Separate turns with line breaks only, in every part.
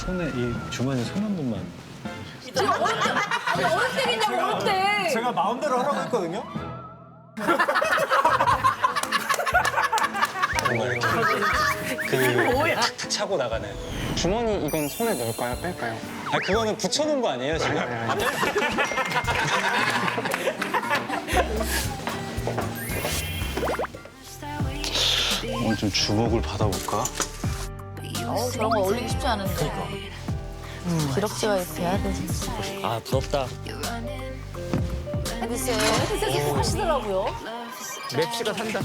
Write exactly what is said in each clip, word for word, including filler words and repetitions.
손에 이 주머니 손 한 번만.
지금 어느 때, 아니 어느 때겠냐고 어느 때.
제가 마음대로 하라고 했거든요.
그 탁탁 차고 나가는.
주머니 이건 손에 넣을까요? 뺄까요?
아 그거는 붙여놓은 거 아니에요 지금? 오늘 좀 주목을 받아볼까?
어 저런 거 올리기 쉽지 않은데. 음, 기럭지가 돼야 되지.
아 부럽다.
글쎄, 글쎄 계속 하시더라고요.
맵시가 산다.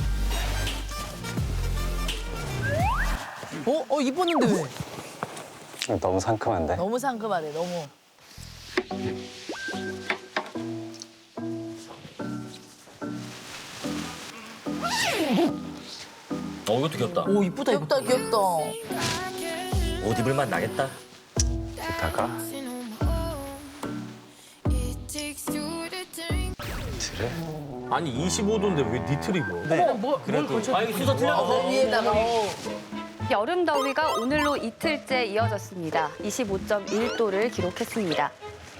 어? 어 입었는데 왜?
너무 상큼한데?
너무 상큼하네 너무.
어 이것도 귀엽다.
오 이쁘다 귀엽다 귀엽다.
옷 입을 맛 나겠다.
이따가 그래?
아니 이십오 도인데 왜 니트를 입어? 네. 뭐, 그래도. 아 이게 순서 틀렸어.
어, 위에다가 어.
여름 더위가 오늘로 이틀째 이어졌습니다. 이십오 점 일 도를 기록했습니다.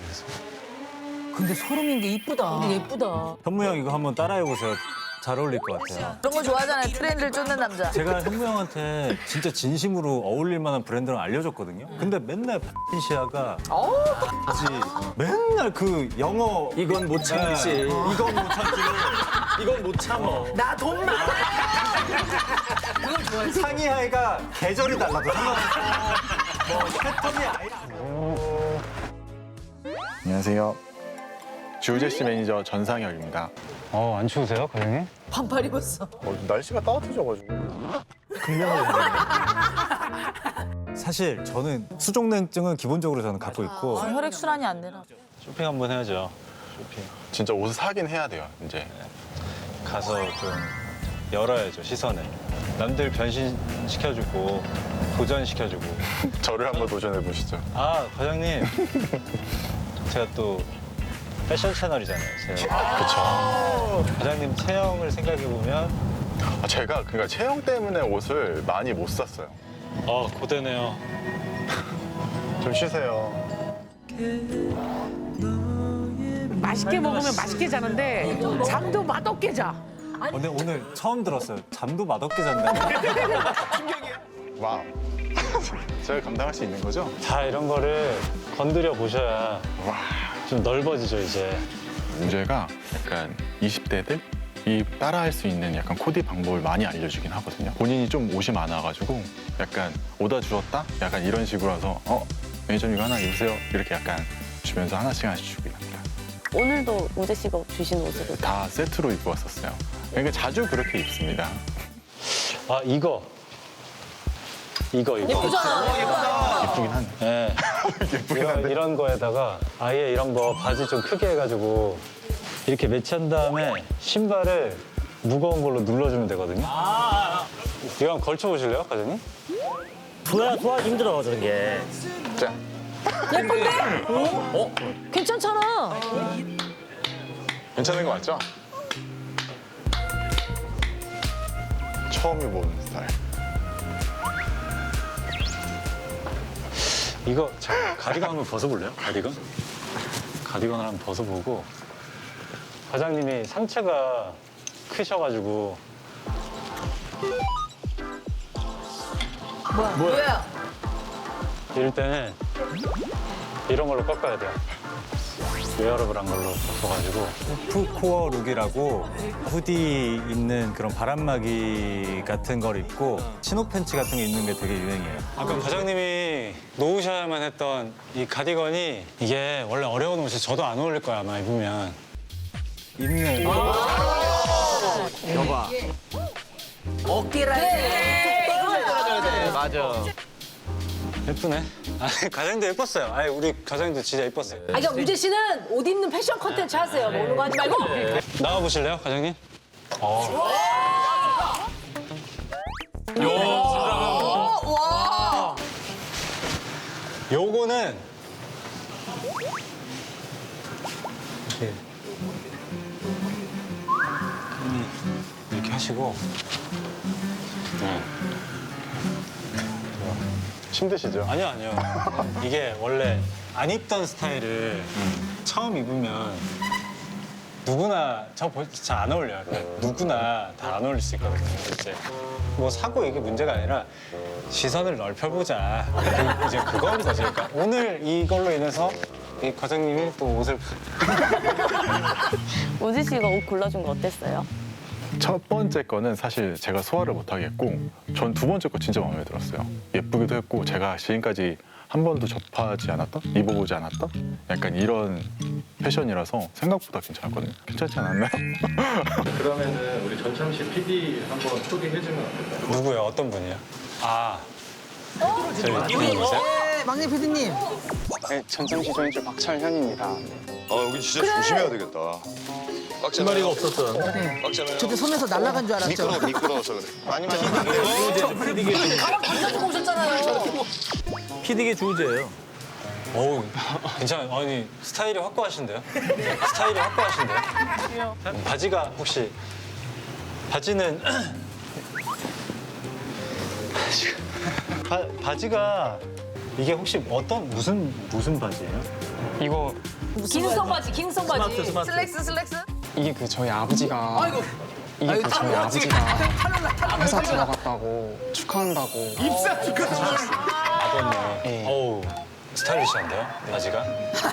근데 소름인 게 이쁘다. 근데 예쁘다.
현무 형 이거 한번 따라해보세요. 잘 어울릴 것 같아요.
그런 거 좋아하잖아요. 트렌드를 쫓는 남자.
제가 현무 형한테 진짜 진심으로 어울릴 만한 브랜드를 알려줬거든요. 근데 맨날 시아가 그지 맨날 그 영어
이건 못 참지.
네. 이건 못 참지.
이건 못 참어.
나 돈 많아.
상의 하의가 계절이 달라도 상관없어. 뭐 패턴이 아예
안녕하세요. 주우제씨 매니저 전상혁입니다.
어, 안 추우세요, 과장님?
반팔 입었어.
어, 날씨가 따뜻해져가지고.
사실 저는 수족냉증은 기본적으로 저는 갖고 있고
아, 혈액 순환이 안 되나.
쇼핑 한번 해야죠. 쇼핑.
진짜 옷을 사긴 해야 돼요, 이제.
가서 좀 열어야죠, 시선을. 남들 변신시켜주고, 도전시켜주고.
저를 한번 도전해 보시죠.
아, 과장님. 제가 또 패션 채널이잖아요, 제가.
그쵸.
과장님 체형을 생각해보면,
아, 제가 그러니까 체형 때문에 옷을 많이 못 샀어요.
어, 고되네요.
좀 쉬세요.
맛있게 먹으면 맛있게 자는데 잠도 맛없게 자.
근데 오늘 처음 들었어요. 잠도 맛없게 잔다.
와우. 제가 감당할 수 있는 거죠?
다 이런 거를 건드려 보셔야
와.
좀 넓어지죠, 이제.
문제가 약간 이십 대들? 이 따라할 수 있는 약간 코디 방법을 많이 알려주긴 하거든요. 본인이 좀 옷이 많아가지고 약간 오다 주었다? 약간 이런 식으로 해서 어? 매니저님 이거 하나 입으세요. 이렇게 약간 주면서 하나씩 하나씩 주긴 합니다.
오늘도 우재 씨가 주신 옷으로.
다 세트로 입고 왔었어요. 그러니까 자주 그렇게 입습니다.
아, 이거. 이거, 이거.
예쁘잖아.
예쁘긴 하네.
네.
예쁘긴
이런,
한데.
이런 거에다가 아예 이런 거 바지 좀 크게 해가지고 이렇게 매치한 다음에 신발을 무거운 걸로 눌러주면 되거든요. 이거 한번 걸쳐보실래요, 과장님?
좋아 좋아 힘들어 저런 게.
자,
예쁜데? 어? 괜찮잖아.
괜찮은 거 맞죠? 처음 입어보는 스타일.
이거 자, 가디건 한번 벗어볼래요? 가디건? 가디건을 한번 벗어보고 과장님이 상체가 크셔가지고
뭐야? 뭐야?
이럴 때는 이런 걸로 꺾어야 돼요. 웨어러블한 걸로 꺾어가지고
푸코어 룩이라고 후디 입는 그런 바람막이 같은 걸 입고 치노 팬츠 같은 게 입는 게 되게 유행이에요.
아까 과장님이 놓으셔야만 했던 이 가디건이 이게 원래 어려운 옷이 저도 안 어울릴 거야 아마 입으면.
입는
여봐.
어깨라 해.
맞아.
예쁘네. 아, 과장님도 예뻤어요. 아니 우리 과장님도 진짜 예뻤어요.
아, 그러니까 우재 씨는 옷 입는 패션 컨텐츠 하세요. 먹는 거 하지 말고.
나와 보실래요, 과장님? 어.
와.
요거는 이렇게 이렇게 하시고 네.
힘드시죠?
아니요, 아니요. 이게 원래 안 입던 스타일을 처음 입으면 누구나 저 잘 안 어울려요. 그러니까 누구나 다 안 어울릴 수 있거든요. 이제 뭐 사고 이게 문제가 아니라 시선을 넓혀보자. 그- 이제 그건 거지. 그러니까 오늘 이걸로 인해서 이 과장님이 또 옷을
우지 씨가 옷 골라준 거 어땠어요?
첫 번째 거는 사실 제가 소화를 못 하겠고 전 두 번째 거 진짜 마음에 들었어요. 예쁘기도 했고 제가 지금까지 한 번도 접하지 않았던, 입어보지 않았던 약간 이런 패션이라서 생각보다 괜찮았거든요. 괜찮지 않았나요?
그러면은 우리 전참 씨 피디 한번 소개해주면 어떨까요?
누구요? 어떤 분이요? 아, 저희 피디님이세요?
네, 막내 피디님.
네, 전참시 조연출 박철현입니다.
아 여기 진짜 조심해야 되겠다.
신발이가 없었던.
빡잖아요.
저때 손에서 날아간 줄 알았죠.
미끄러 미끄러워서 그래.
많이 많이
피디계
가지고 오셨잖아요.
피디계 주제예요.
어우, 괜찮아요. 아니, 스타일이 확고하신데요? 스타일이 확고하신데요? 바지가 혹시, 바지는, 바, 바지가, 이게 혹시 어떤, 무슨, 무슨 바지예요?
이거
기능성 바지, 기능성 바지.
스마트, 스마트.
슬랙스, 슬랙스.
이게 그 저희 아버지가 이게 그 저희 아버지가 회사 들어갔다고 축하한다고
아버님.
네.
어우, 스타일리시한데요? 바지가?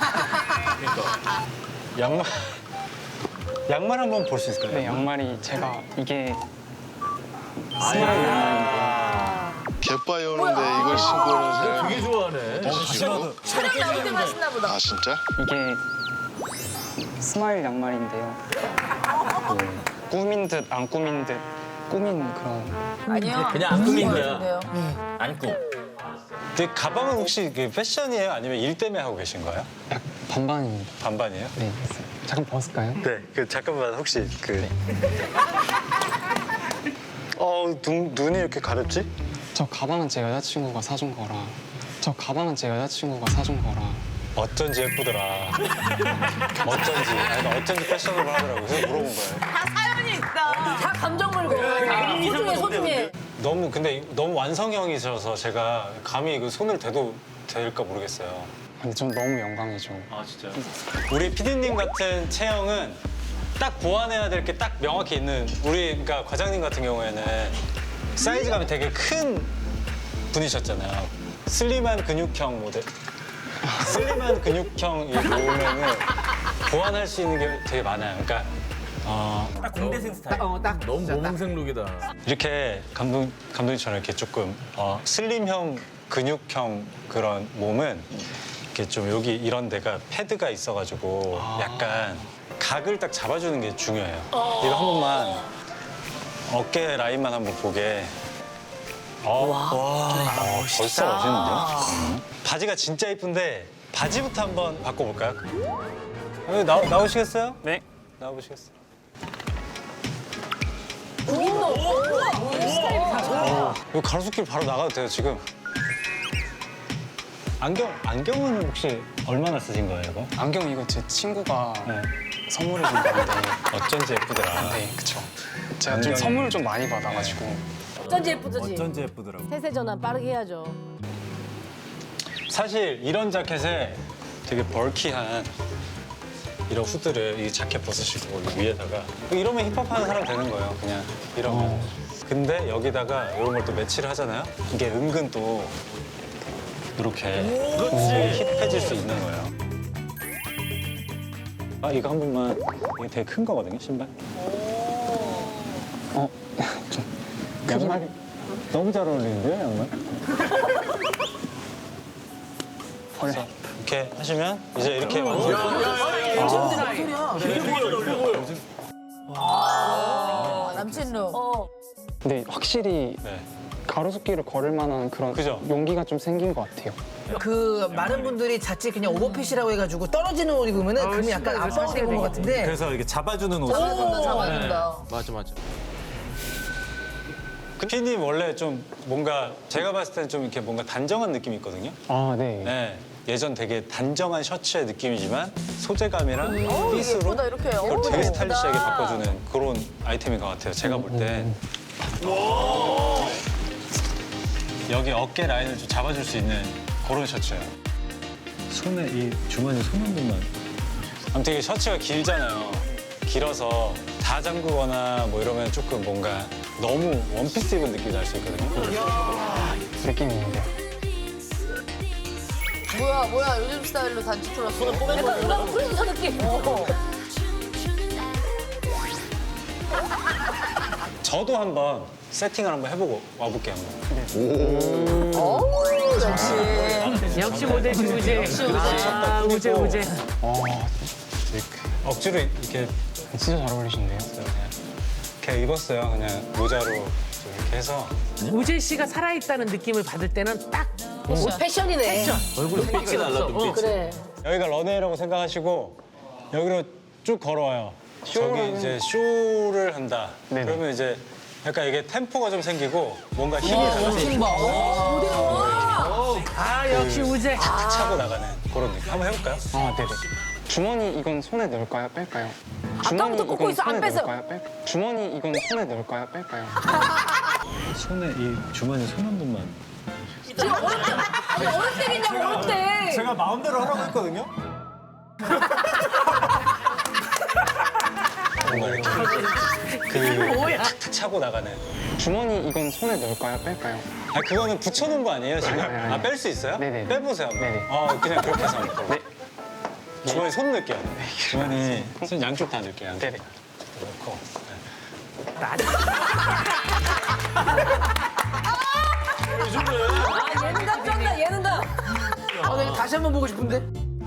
양말, 양말 한번 볼 수 있을까요?
네, 양말이 제가 이게 스마일 양말인데요.
갯바위 오는데 이걸 신고 오는 사람.
되게 좋아하네.
촬영 나올 때만 신나 보다.
아 진짜?
이게 스마일 양말인데요. 그 꾸민 듯 안 꾸민 듯 꾸민 그런
아니요.
그냥 안 꾸민 거야.
같은데요.
안 꾸.
근데 가방은 혹시 그 패션이에요? 아니면 일 때문에 하고 계신 거예요?
약 반반입니다.
반반이에요?
네, 잠깐 벗을까요?
네, 그 잠깐만 혹시 그 어, 눈, 눈이 이렇게 가렵지?
저 가방은 제 여자친구가 사준 거라. 저 가방은 제 여자친구가 사준 거라.
어쩐지 예쁘더라. 어쩐지, 아니, 나 어쩐지 패셔너블 하더라고. 그래서 물어본 거예요.
다 사연이 있다. 다 감정 물고. 소중해, 소중해.
너무 근데 너무 완성형이셔서 제가 감히 그 손을 대도 될까 모르겠어요.
근데 전 너무 영광이죠.
아 진짜.
우리 피디님 같은 체형은 딱 보완해야 될 게 딱 명확히 있는 우리 그러니까 과장님 같은 경우에는 사이즈감이 되게 큰 분이셨잖아요. 슬림한 근육형 모델. 슬림한 근육형 이 몸에는 보완할 수 있는 게 되게 많아요. 그러니까 어,
딱 공대생 스타일.
어, 딱.
너무
진짜 딱.
모범생 룩이다.
이렇게 감독 감독님처럼 이렇게 조금 어, 슬림형 근육형 그런 몸은 이렇게 좀 여기 이런 데가 패드가 있어가지고 약간 각을 딱 잡아주는 게 중요해요. 이거 한 번만 어깨 라인만 한번 보게. 어, 와, 어, 벌써 멋있는데요? 음. 바지가 진짜 예쁜데 바지부터 한번 바꿔볼까요? 여기 나, 나오시겠어요?
네.
나오시겠어요? 이거 가로수길 바로 나가도 돼요, 지금. 안경, 안경은 혹시 얼마나 쓰신 거예요, 이거?
안경 이거 제 친구가
네.
선물해 준 건데.
어쩐지 예쁘더라.
네, 그쵸. 제가 좀
안경이-
선물을 좀 많이 받아가지고.
어쩐지 예쁘지.
어쩐지 예쁘더라고.
세세 전환 빠르게 해야죠.
사실 이런 자켓에 되게 벌키한 이런 후드를 이 자켓 벗으시고 이 위에다가 이러면 힙합하는 사람 되는 거예요, 그냥 이러면. 근데 여기다가 이런 걸 또 매치를 하잖아요? 이게 은근 또 이렇게 되게 힙해질 수 있는 거예요. 아, 이거 한 번만. 이게 되게 큰 거거든요, 신발.
어,
양말이 너무 잘 어울리는데요, 양말? 그래서 이렇게 하시면 이제 이렇게 완전
어, 남친 룩. 어.
근데 확실히
네.
가로수길을 걸을 만한 그런
그죠?
용기가 좀 생긴 것 같아요.
그 많은 분들이 자칫 그냥 오버핏이라고 해가지고 떨어지는 옷 입으면은 그러면 약간 압박을 입은 것 같은데.
그래서 이게 잡아주는 옷.
잡아준다, 잡아준다.
맞아 맞아.
그 피디님 원래 좀 뭔가 제가 봤을 때는 좀 이렇게 뭔가 단정한 느낌이 있거든요.
아, 네.
네. 예전 되게 단정한 셔츠의 느낌이지만 소재감이랑 핏으로
예쁘다, 이렇게.
그걸
어우,
되게
예쁘다.
스타일리시하게 바꿔주는 그런 아이템인 것 같아요. 제가 볼 때. 여기 어깨 라인을 좀 잡아줄 수 있는 그런 셔츠예요. 손에 이 주머니 손 한 번만. 아무튼 이게 셔츠가 길잖아요. 길어서 다 잠그거나 뭐 이러면 조금 뭔가 너무 원피스 입은 느낌이 날 수 있거든요.
느낌이 있는데.
뭐야 뭐야 요즘 스타일로 단추 풀었어. 약간 음악 프로듀서 느낌. 어.
저도 한번 세팅을 한번 해보고 와볼게요. 한번.
오 역시.
역시 모델 우재.
역시 우재.
아, 우재, 우재.
어,
억지로 이렇게
진짜 잘 어울리시는데요?
이렇게 입었어요. 그냥 모자로 좀 이렇게 해서.
우재 씨가 살아있다는 느낌을 받을 때는 딱
패션이네.
패션.
얼굴에 빛이 날라 눈빛.
그래.
여기가 런웨이라고 생각하시고 여기로 쭉 걸어와요. 저기 이제 쇼를 한다.
네네.
그러면 이제 약간 이게 템포가 좀 생기고 뭔가 힘이 달라지고
힘 봐. 오,
아, 역시 우재.
탁 차고 나가는 그런 느낌. 한번 해볼까요?
아, 네네. 주머니 이건 손에 넣을까요? 뺄까요?
아까부터 꽂고
이건
있어, 안
손에
뺐어요.
넣을까요? 뺄... 주머니 이건 손에 넣을까요? 뺄까요?
손에 이 주머니 손 한 번만.
지금 어느 때? 아니 어느 때겠냐고 어느 때?
제가 마음대로 하라고 했거든요.
뭔가 이렇게 그 탁탁 차고 나가는.
주머니 이건 손에 넣을까요? 뺄까요?
아 그거는 붙여놓은 거 아니에요 지금?
아니, 아니.
아 뺄 수 있어요?
네네.
빼보세요. 한번.
네네.
어 그냥 그렇게 해서 한번.
네.
주머니 손 넣을게요. 주머니 손 양쪽 다 넣을게요.
네네.
넣고.
아 얘는 다 쩐다 얘는 다.
어, 나 이거 다시 한 번 보고 싶은데.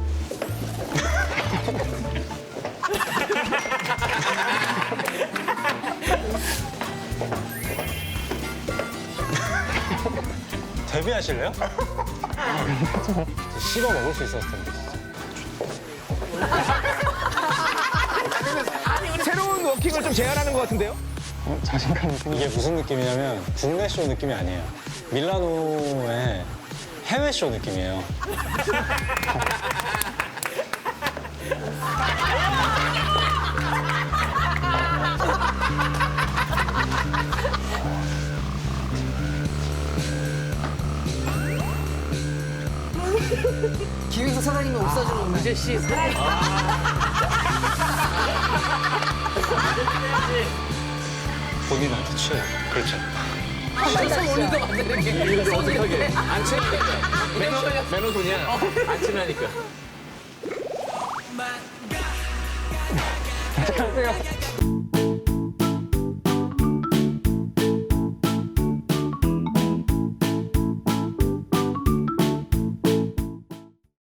데뷔하실래요? 씹어 먹을 수 있었을 텐데.
새로운 워킹을 좀 제안하는 것 같은데요?
어, 자신감이 생겨.
이게 무슨 느낌이냐면 국내 쇼 느낌이 아니에요. 밀라노의 해외 쇼 느낌이에요.
기획사 사장님이 옷 사주는 우재 씨 살아있다.
본인한테 취해요. 그렇죠.
한참 올리도 안 되는 게.
이거 어색하게. 안 친하니까. 매너, 매너소냐? 안 친하니까.
어떡하세요?